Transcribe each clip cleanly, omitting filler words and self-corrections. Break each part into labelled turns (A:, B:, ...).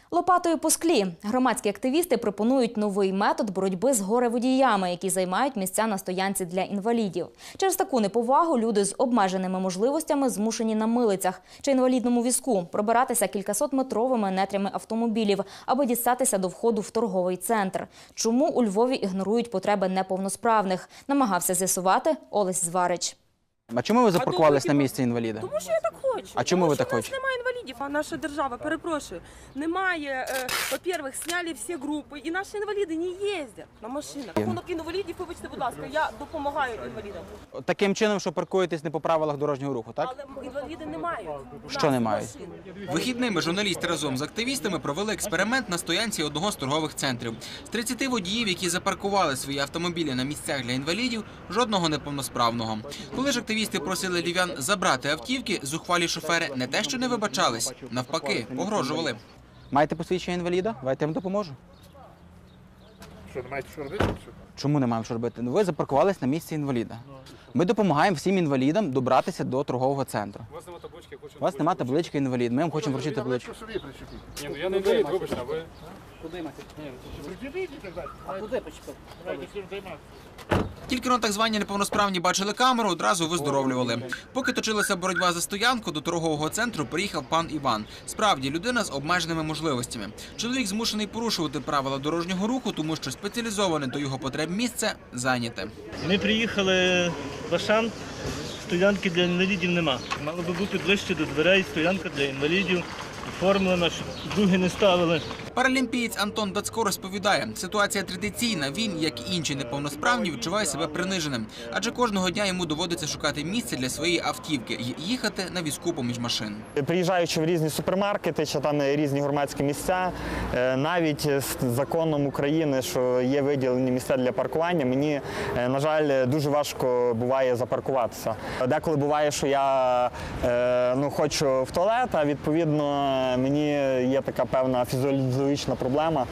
A: Лопатою по склі. Громадські активісти пропонують новий метод боротьби з горе-водіями, які займають місця на стоянці для інвалідів. Через таку неповагу люди з обмеженими можливостями змушені на милицях чи інвалідному візку пробиратися кількасотметровими нетрями автомобілів, аби дістатися до входу в торговий центр. Чому у Львові ігнорують потреби неповносправних? Намагався з'ясувати Олесь Зварич.
B: А чому ви запаркувались на місці інваліда?
C: Тому що я так хочу.
B: А чому ви так
C: хочете?
B: хочете?
C: Немає інвалідів, а наша держава, перепрошую, немає, по-перше, зняли всі групи, і наші інваліди не їздять на машинах. Рахунок інвалідів, вибачте, будь ласка, я допомагаю інвалідам.
B: Таким чином, що паркуєтесь не по правилах дорожнього руху, так?
C: Але інваліди не мають.
B: Що не мають?
D: Вихідними журналісти разом з активістами провели експеримент на стоянці одного з торгових центрів. З 30 водіїв, які запаркували свої автомобілі на місцях для інвалідів, жодного неповносправного. Коли ж активісти просили львів'ян забрати автівки, зухвалі шофери не те, що не вибачались, навпаки, погрожували.
B: Маєте посвідчення інваліда? Давайте я вам допоможу.
E: Що, не маєте що робити?
B: Чому не маємо що робити? Ви запаркувались на місці інваліда. Ми допомагаємо всім інвалідам добратися до торгового центру.
E: У вас немає таблички, я хочу...
B: У вас немає таблички інвалід, ми вам хочемо вручити табличку.
E: собі причепити. Ні, ну я не інвалід, вибачте, а ви...
F: Куди мати?
E: Причепіть і так далі.
F: А куди почепив?
E: Давайте цим займатися.
D: Тільки но так звані неповносправні бачили камеру, одразу виздоровлювали. Поки точилася боротьба за стоянку, до торгового центру приїхав пан Іван. Справді, людина з обмеженими можливостями. Чоловік змушений порушувати правила дорожнього руху, тому що спеціалізоване до його потреб місце зайняте.
G: Ми приїхали в Ашан, стоянки для інвалідів нема. Мало би бути ближче до дверей, стоянка для інвалідів, оформлена, щоб другі не ставили.
D: Паралімпієць Антон Дацько розповідає, ситуація традиційна. Він, як і інші неповносправні, відчуває себе приниженим. Адже кожного дня йому доводиться шукати місце для своєї автівки і їхати на візку поміж машин.
H: Приїжджаючи в різні супермаркети чи там різні громадські місця, навіть з законом України, що є виділені місця для паркування, мені, на жаль, дуже важко буває запаркуватися. Деколи буває, що я хочу в туалет, а відповідно мені є така певна фізіологічна проблема,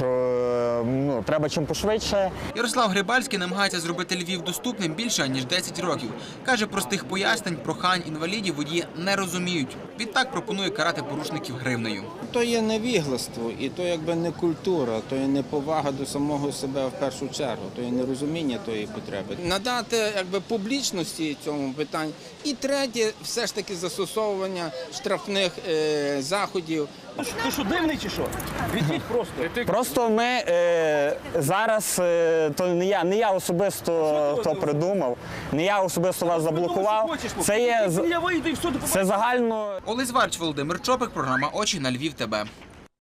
H: що треба чим пошвидше.
D: Ярослав Грибальський намагається зробити Львів доступним більше, ніж 10 років. Каже, простих пояснень, прохань інвалідів водії не розуміють. Відтак пропонує карати порушників гривнею.
I: То є невігластво, і то якби не культура, то є неповага до самого себе в першу чергу, то є нерозуміння тої потреби. Надати якби публічності цьому питанню. І третє, все ж таки застосовування штрафних заходів.
F: Ти що, дивний чи що? Відвідь просто.
H: Просто ми зараз, то не я особисто хто придумав, не я особисто вас заблокував, це є,
F: Я вийду і все,
H: це загально.
D: Олесь Зварич, Володимир Чопик, програма «Очі» на Львів ТБ.